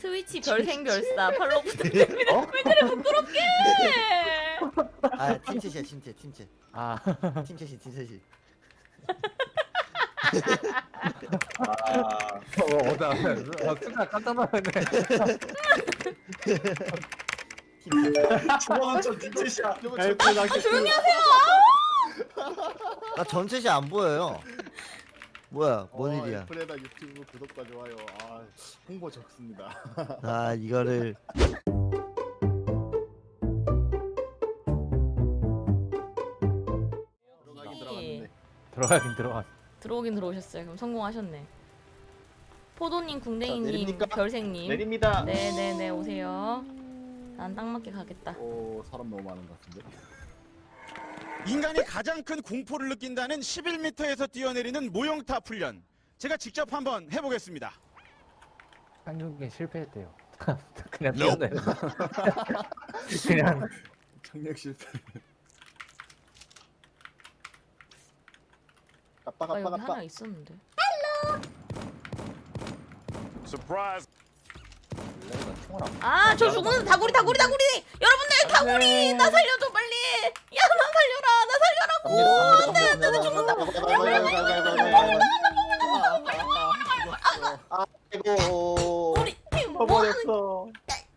트위치 별생별사 팔로우 부탁드립니다. 왜 그래 부끄럽게? 아 팀챗이야 팀챗 아, 팀챗이 팀챗이 아, 나 순간 깜짝 놀랐네. 팀챗 주먹은 저 눈짓이야. 아 조용히 하세요. 나 전챗이 안 보여요. 뭐야 뭔 일이야. 프레다 유튜브 구독과 좋아요. 아 홍보 적습니다. 아 이거를 들어가긴 들어갔는데. 들어가긴 들어갔어. 들어오긴 들어오셨어요. 그럼 성공하셨네. 포도님, 자, 궁뎅이님, 내립니까? 별생님. 내립니다. 네네네 오세요. 난 딱 맞게 가겠다. 오 사람 너무 많은 것 같은데. 인간이 가장 큰 공포를 느낀다는 11m에서 뛰어내리는 모형탑 훈련. 제가 직접 한번 해보겠습니다. 상륙에 실패했대요. 그냥 뛰어내. 그냥 착륙 실패. 아 까빠 여기 까빠 하나 까빠. 있었는데. 서프라이즈. 아 저 죽는 다구리. 여러분들 다구리 나 살려줘 빨리. 야 나 살려라. 나 살려라고. 안돼 나 죽는다. 아이고. 우리 팀 뭐 하는? 버렸어.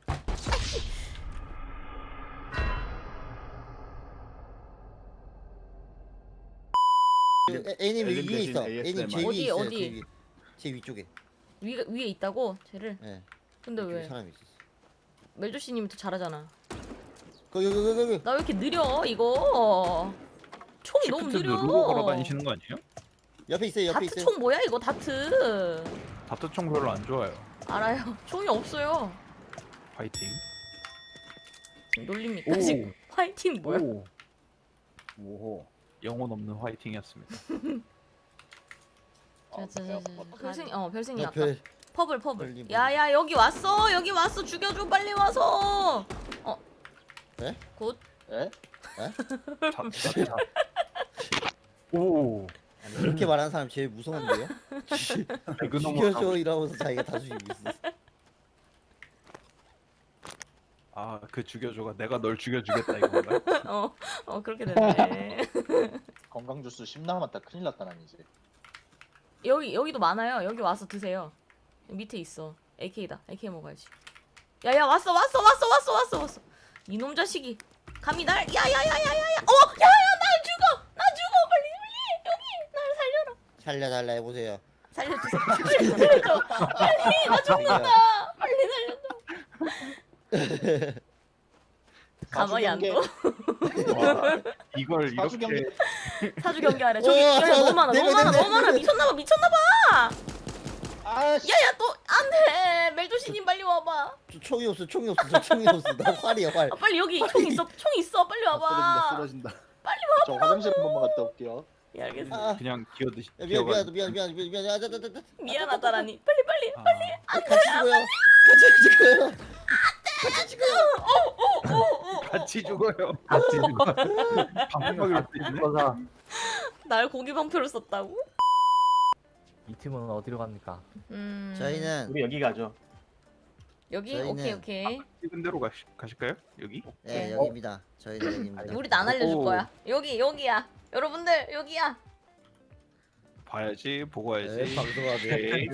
A님 엘린 위에 있어. 대신 A님 제 ASMR. 위에 어디, 있어요. 어디? 제 위쪽에. 위에 있다고 쟤를. 예. 근데 위쪽에 왜? 사람이 있었어. 멜조씨님이 더 잘하잖아. 거기. 나 왜 이렇게 느려 이거? 총이 너무 시프트 느려. 누르고 걸어다니시는 거 아니에요? 옆에 있어요. 옆에 다트 있어요. 총 뭐야 이거 다트? 다트총 별로 안 좋아요. 알아요. 총이 없어요. 파이팅. 놀립니까 오. 지금? 화이팅 뭐야? 오, 오호. 영혼 없는 화이팅이었습니다. 별생이 야, 아까 별. 퍼블. 별님, 야야 여기 왔어 죽여줘 빨리 와서. 네? 굿. 에? 자. 오. 아니, 그렇게 말하는 사람 제일 무서운데요? 죽여줘 이러면서 자기가 다 죽이고 있어. 아, 그 죽여줘가 내가 널 죽여주겠다 이건가? 그렇게 됐네. 건강 주스 10 남았다. 큰일 났다 난 이제. 여기도 많아요. 여기 와서 드세요. 밑에 있어. AK다. AK 먹어야지. 야야 왔어. 이놈 자식이 감히 날 야야야야야야. 야야 날 죽어. 빨리 여기 날 살려라. 살려달라 해보세요. 살려주세요. 빨리 살려줘. 빨리 나 죽는다. 빨리 살려줘. 가만히 안 둬. 와, 이걸 사주 경기. 이렇게 사주 경기하래. 저기 우와, 야, 너무 많아. 네. 미쳤나봐. 아씨. 야야 또 안돼. 멜조씨님 빨리 와봐. 저 총이 없어. 저 총이 없어. 나 활이야 활. 아, 빨리 여기 총 있어. 빨리 와봐. 쓰러진다. 빨리 저 화장실 한 번만 갔다 올게요. 예 알겠어. 아. 그냥 기어드시. 야, 미안. 아, 미안하다라니. 빨리. 같이 죽어요. 같이 죽어요. 같이 죽어. 방법을 쓰네. 거사. 날 고기 방표를 썼다고? 이 팀은 어디로 갑니까? 저희는 우리 여기 가죠. 여기 저희는- 오케이. 찍은 대로 가실까요? 여기? 네 여기입니다. 저희는 여기입니다. 우리도 안 알려줄 오. 거야. 여기야. 여러분들 여기야. 봐야지, 보고 와야지. 네, 방송하네. 오케이.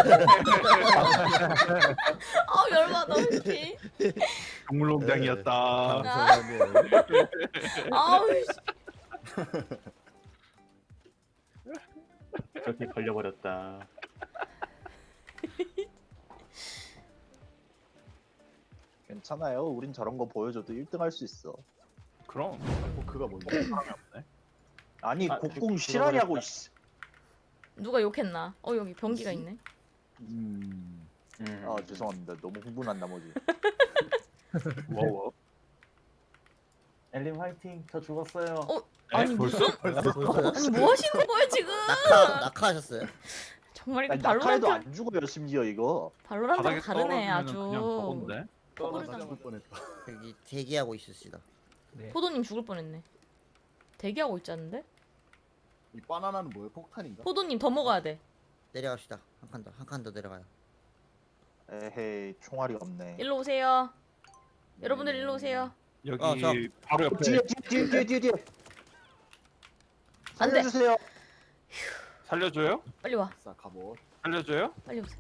열받아. 씨. 동물농장이었다. 방송하네. 아우 씨. 그렇게 걸려버렸다. 괜찮아요. 우린 저런 거 보여줘도 1등 할 수 있어. 그럼 그가 뭔데? 사람이 없네. 아니 아, 곡궁 그- 실화냐고. 그거 씨. 누가 욕했나? 여기 변기가 있네. 아 죄송합니다. 너무 흥분한 나머지. 뭐? 엘림 화이팅. 저 죽었어요. 아니 벌써? 벌써요? 아니 뭐 하시는 거예요 지금? 낙하하셨어요? 정말 이거 아니, 낙하에도 발로란트 안 죽어요 심지어 이거. 발로란트랑 다르네 떨어지면은 아주. 그냥 저건데. 포도를 죽을 뻔했다. 여기 대기하고 있읍시다. 네. 포도님 죽을 뻔했네. 대기하고 있지 않는데? 이 바나나는 뭐예요? 폭탄인가? 포도님 더 먹어야 돼. 내려갑시다. 한 칸 더 내려가요. 에헤이 총알이 없네. 일로 오세요. 여러분들 일로 오세요. 여기 저. 바로 옆에 뒤에. 안 돼. 살려주세요. 살려줘요? 빨리 와. 싸 갑옷. 살려줘요? 빨리 오세요.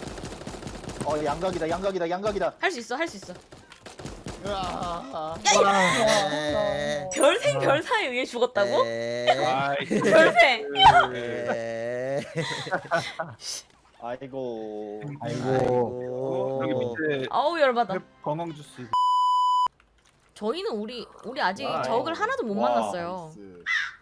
양각이다. 할 수 있어. 할 수 있어. 으아. 에... 별생 별사에 의해 죽었다고? 아이 별생. 에... 아이고. 아이고. 여기 밑에 아우 열받아. 건강 주스. 저희는 우리 아직 아이. 적을 하나도 못 와, 만났어요. 나이스.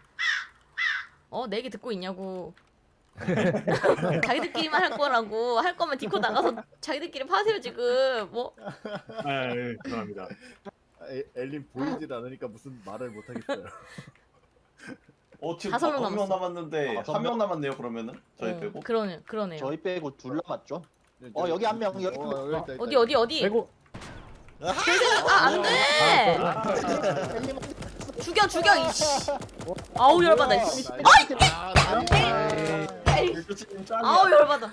내 얘기 듣고 있냐고. 자기들끼리만 할 거라고. 할 거면 디코 나가서 자기들끼리 파세요 지금. 뭐 아, 예, 죄송합니다. 엘린 보이질 않으니까 무슨 말을 못 하겠어요. 지금 5명 5명 남았어. 남았는데 1명 남았네요 그러면은 저희 빼고. 그러네요. 저희 빼고 둘 남았죠? 여기 한 명, 여기 한 명. 있다, 있다, 어디? 아이고. 안 돼. 죽여 이씨. 아우 열받아 이씨. 아우 열받아.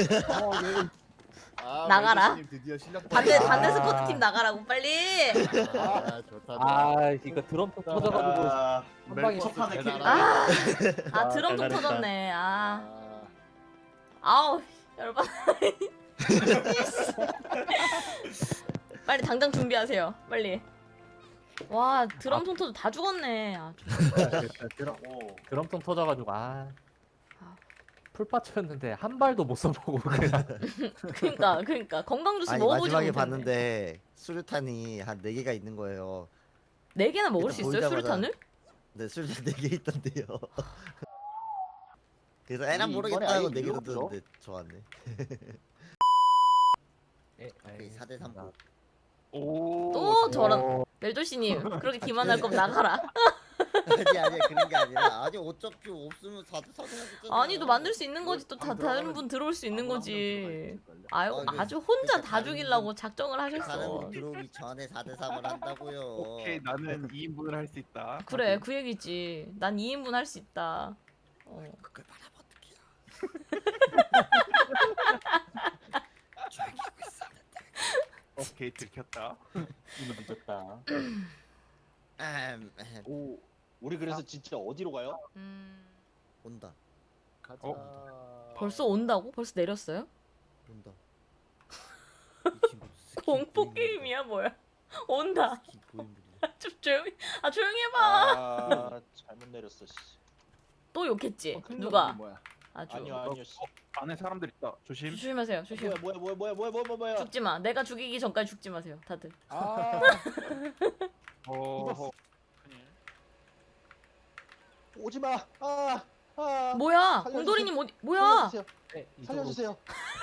나가라. 드디어 실력 반대 보였다. 스쿼트 팀 나가라고 빨리. 아, 좋다. 아 이거 드럼통 터져가지고 아, 한 방에 첫 판에 대단하다. 캐리. 드럼통 잘했다. 터졌네. 아, 아우 열받아. 빨리 당장 준비하세요. 빨리. 와 드럼통 터져 다 죽었네. 드럼통 터져가지고 풀파츠였는데 한 발도 못 써보고 그냥 그러니까 건강 주스 아니 먹어보지 마지막에 못했네. 봤는데 수류탄이 한 4개가 있는 거예요. 4개나 먹을 일단 수 있어요 보이자마자- 수류탄을? 네, 수류탄 4개 있던데요. 그래서 애랑 이번에 모르겠다 아예 하고 4개 이유가 던졌는데 좋았네. 예, 4대 3. 오. 또 저런 멜조씨님 그렇게 기만할 거면 나가라. 아니 그런 게 아니라 아니 어차피 없으면 4대 4 해야겠잖아. 아니 또 만들 수 있는 거지 또 다른 분 들어올 수 있는 거지. 아유 아주 혼자 다 죽이려고 작정을 다른 하셨어. 분 들어오기 전에 4대 3을 한다고요. 오케이 나는 2인분을 할 수 있다. 그래 그 얘기지. 난 2인분 할 수 있다. 그걸 말하면 어떡해요. 조용히 하고 있어. 오케이 들켰다. 이미 늦었다. 오 우리 그래서 진짜 어디로 가요? 온다 가자. 벌써 온다고? 벌써 내렸어요? 온다. 이 친구 스킨 공포 고인물이다. 게임이야 뭐야? 온다. 스킨 고인물이다. 좀 조용히 해봐. 잘못 내렸어. 씨. 또 욕했지. 큰일 누가? 났네, 뭐야. 아주. 아니요. 씨. 안에 사람들 있다. 조심. 조심하세요. 조심. 뭐야. 죽지 마. 내가 죽이기 전까지 죽지 마세요. 다들. 아, 어. 오지 마. 뭐야? 살려주세요. 공돌이님 어디? 뭐야? 살려주세요.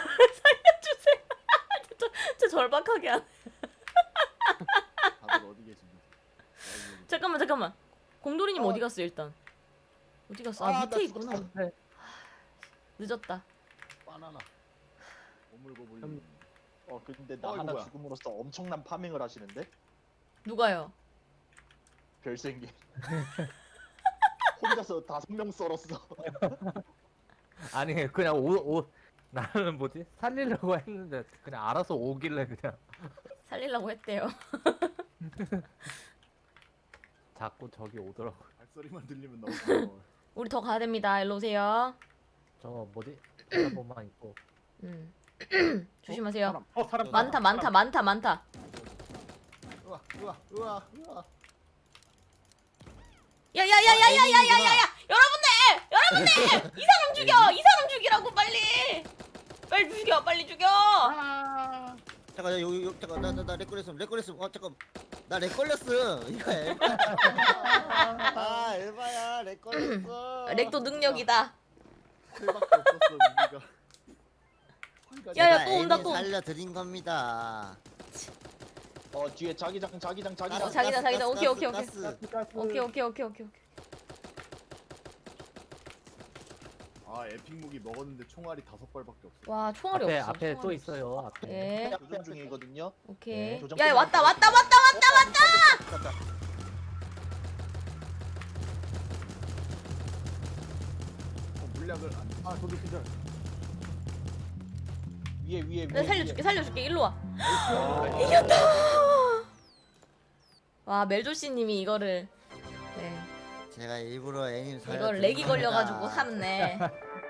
진짜 절박하게 하네. 다들 어디 계십니까? 잠깐만. 공돌이님 어디 갔어 일단? 어디 갔어? 나 밑에 있구나. 네. 늦었다. 바나나. 오물고 불리는. 근데 나 이거 하나 뭐야? 죽음으로써 엄청난 파밍을 하시는데? 누가요? 별생기. 혼자서 5명 썰었어. 아니 그냥 옷 나는 뭐지 살리려고 했는데 그냥 알아서 오길래 그냥 살리려고 했대요. 자꾸 저기 오더라고. 발소리만 들리면 너무 무서워. 우리 더 가야 됩니다. 일로 오세요. 저 뭐지 한번만 있고 조심하세요. 사람. 많다. 우와. 야야야야야야야야야! 여러분들! 이 사람 죽이라고 빨리 죽여! 잠깐 여기 잠깐 나 렉걸렸음. 잠깐 나 렉걸렸음. 이거 엘바. 아 엘바야 렉걸렸어. 렉도 능력이다. 틀밖에 없었어 우리가. 야, 또 온다, 또. 살려드린 겁니다. 뒤에 자기장. 자기다. 오케이. 가스. 오케이. 아 에픽 무기 먹었는데 총알이 5발밖에 없어. 와 총알이 없어. 앞에 또 총알이 있어요. 앞에. 예. 교전 중이거든요. 오케이. 교정 야 끝나고 왔다. 물약을 안. 아 저도 기절. 위에 내가 살려줄게. 일로 와. 이겼다. 와 멜조씨님이 이거를 네 제가 일부러 애님 살려. 이걸 렉이 걸려가지고 샀네.